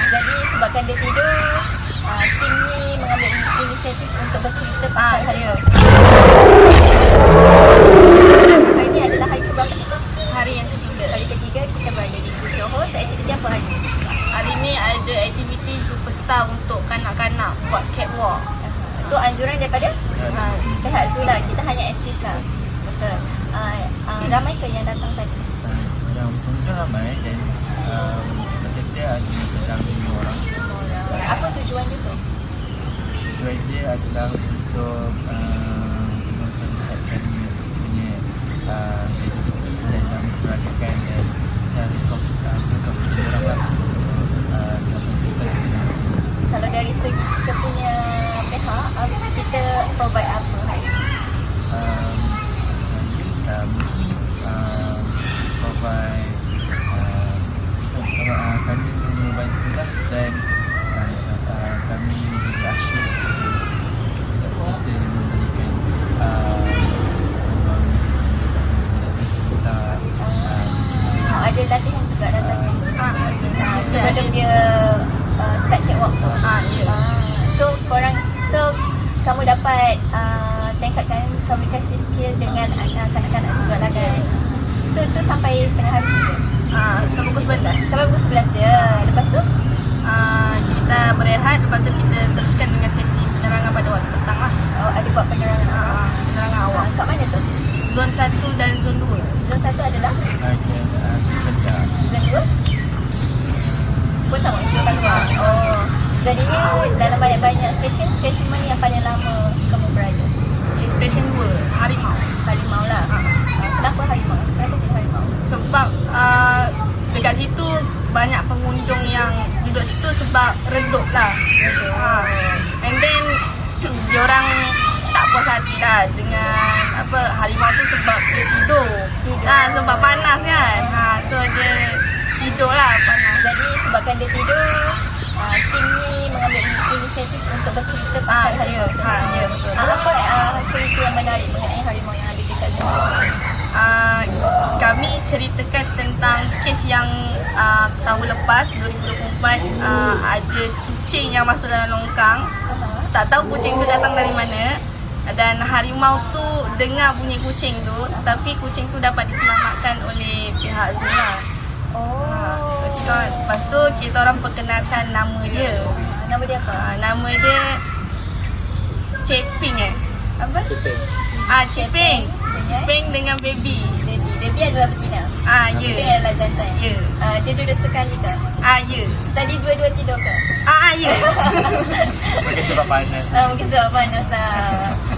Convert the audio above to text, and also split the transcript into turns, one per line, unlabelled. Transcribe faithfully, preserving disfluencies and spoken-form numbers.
Jadi sebabkan dia tidur, uh, tim ni mengambil inisiatif untuk bercerita pasal hari ni. Hari ni adalah hari ke berapa?
Hari yang ketiga.
Hari ketiga kita berada di Johor. So aktiviti apa hari ni?
Hari ni ada aktiviti superstar untuk kanak-kanak buat catwalk.
Itu anjuran daripada uh, pihak Zoo lah. Kita hanya assist lah. Betul. Uh, uh, ramai ke yang datang tadi?
Uh, yang pengunjung ramai dan uh, peserta ada kurang lima orang.
Apa tujuan dia tu?
Tujuan dia adalah untuk uh, memperlihatkan punya uh, dan memperagakan dan cari komputer orang lah untuk uh, komputer.
Kalau dari segi kita punya pihak, uh, kita provide apa hari ni?
Um, uh, mungkin uh, provide uh, uh, kami membantu lah dan uh, uh, kami juga asyik segala cerita yang memberikan uh, membangun sekitar
Uh, ada latihan juga datang.
Ah,
Uh, sebelum dia uh, start catwalk tu.
Ah, ya.
Uh, so korang, so kamu dapat uh, tingkatkan komunikasi skill dengan uh, kanak-kanak juga lah kan. So itu sampai tengah hari je.
Ah, sampai pukul sebelas.
Sampai pukul sebelas je. Lepas tu
Ah, kita berehat, lepas tu kita teruskan dengan sesi penerangan pada waktu petang lah.
oh, ada buat penerangan.
Ah, penerangan awal.
Uh, kat mana tu?
Zon satu dan zon dua.
Zon satu adalah?
bahagian uh, kerja.
Zon dua? Pun sama, syurga luar. Oh, jadinya dalam banyak-banyak stesen, stesen mana yang paling lama kamu berada?
Di stesen dua, Harimau.
Harimau lah.
Ah.
Uh, kenapa harimau? Kenapa pilih harimau?
Sebab uh, dekat situ banyak pengunjung yang duduk situ sebab redup lah. Ha. And then diorang tak puas hati lah dengan apa harimau tu sebab dia tidur.
Tidur.
Ha, sebab panas kan. Ha, so dia tidur lah panas.
Jadi sebabkan dia tidur, uh, tim ni mengambil inisiatif untuk bercerita pasal
Ah,
harimau.
ya. Ah, ya, betul.
Uh, apa uh, cerita yang menarik mengenai harimau yang ada dekat sini?
Uh, kami ceritakan tentang kes yang uh, tahun lepas dua ribu dua puluh empat uh, ada kucing yang masuk dalam longkang.
Uh-huh.
Tak tahu kucing tu datang dari mana. Dan harimau tu dengar bunyi kucing tu, tapi kucing tu dapat diselamatkan oleh pihak zoo lah.
Oh.
Ha, so kita, lepas tu kita orang perkenalkan nama dia.
Uh, nama dia apa?
Ha, nama dia Ceping eh.
Apa?
Ah, Ceping.
Ceping.
Ceping dengan baby.
Baby. Baby adalah betina.
Ah,
Ceping
ya.
adalah jantan.
Ya.
Uh, dia duduk sekali ke?
Ah, ya.
Tadi dua-dua tidur ke?
Ah, ah, ya.
Mungkin sebab panas.
Uh, mungkin sebab panas lah.